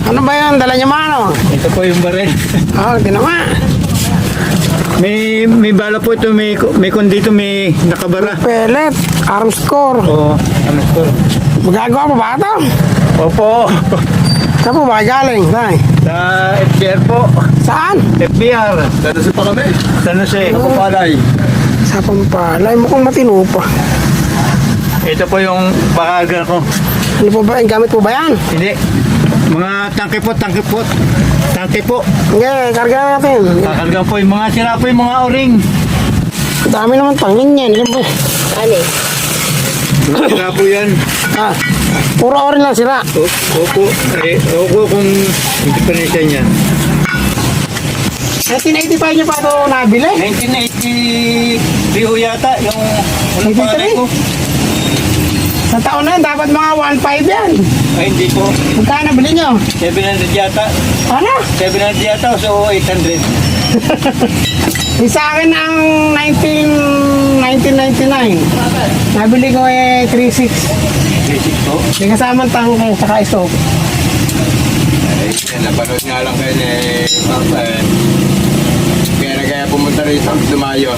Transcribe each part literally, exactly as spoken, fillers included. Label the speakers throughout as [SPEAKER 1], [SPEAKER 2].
[SPEAKER 1] Ano ba yan? Dala niya mano?
[SPEAKER 2] Ito po yung baril.
[SPEAKER 1] Oh, di naman.
[SPEAKER 2] May may bala po ito, may may kon dito may nakabara.
[SPEAKER 1] Pellet, arm score.
[SPEAKER 2] Oo, ano to?
[SPEAKER 1] Magagawa mo ba ito?
[SPEAKER 2] Opo.
[SPEAKER 1] Saan po ba galing? Tay?
[SPEAKER 2] Sa F B R po.
[SPEAKER 1] Saan?
[SPEAKER 2] F B R.
[SPEAKER 3] Dito sa pa kami.
[SPEAKER 2] San Jose.
[SPEAKER 3] Kapalay.
[SPEAKER 1] Sa Pampalay. Mukhang matino pa.
[SPEAKER 2] Ito po yung bakaga ko.
[SPEAKER 1] Ano po ba? Gamit po ba yan?
[SPEAKER 2] Hindi. Mga tangke po, tangke po. Tangke po.
[SPEAKER 1] Sige, karga natin.
[SPEAKER 2] Kakarga po yung mga sira po yung mga o-ring.
[SPEAKER 1] Dami naman tangin yan. Yan po.
[SPEAKER 4] Ano?
[SPEAKER 2] Sira po yan.
[SPEAKER 1] Ah, puro orin lang sila.
[SPEAKER 2] O- Opo. Eh, opo kung hindi pa rin siya niya.
[SPEAKER 1] nineteen eighty-five niyo pa ito nabili?
[SPEAKER 2] nineteen eighty-three ho yata yung unang
[SPEAKER 1] eighty-three?
[SPEAKER 2] pangalan ko.
[SPEAKER 1] Sa taon na yan, dapat mga one point five yan.
[SPEAKER 2] Ay, hindi po.
[SPEAKER 1] Magkano nabili niyo?
[SPEAKER 2] seven hundred yata.
[SPEAKER 1] Ano?
[SPEAKER 2] seven hundred yata, so eight hundred.
[SPEAKER 1] Yung sa akin ang nineteen ninety-nine. Nabili ko eh three six.
[SPEAKER 2] Basic po.
[SPEAKER 1] May kasamang tangke, saka stove.
[SPEAKER 3] Ay, napanood nga lang kayo ni Papa eh. Kaya na kaya pumunta rito, dumayo.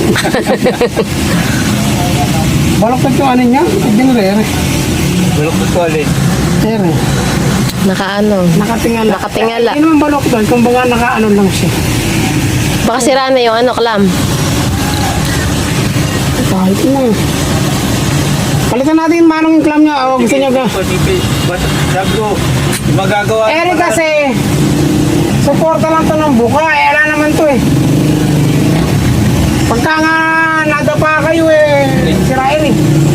[SPEAKER 1] Balok yung ano niya? Hindi rere.
[SPEAKER 2] Bulok po ulit.
[SPEAKER 1] Rere.
[SPEAKER 4] Nakaano?
[SPEAKER 1] Nakatingala.
[SPEAKER 4] Nakatingala.
[SPEAKER 1] Hindi naman balok doon, kung baga nakaano lang siya.
[SPEAKER 4] Baka sira na yung ano, clam.
[SPEAKER 1] Kahit na. Palitan natin yung manong clam niya. O gusto niya ka.
[SPEAKER 2] Sabi ko, magagawa.
[SPEAKER 1] Eh kasi, suporta lang to ng buka. Eh, wala naman to eh. Pagka nga nadapa kayo eh, sirain eh.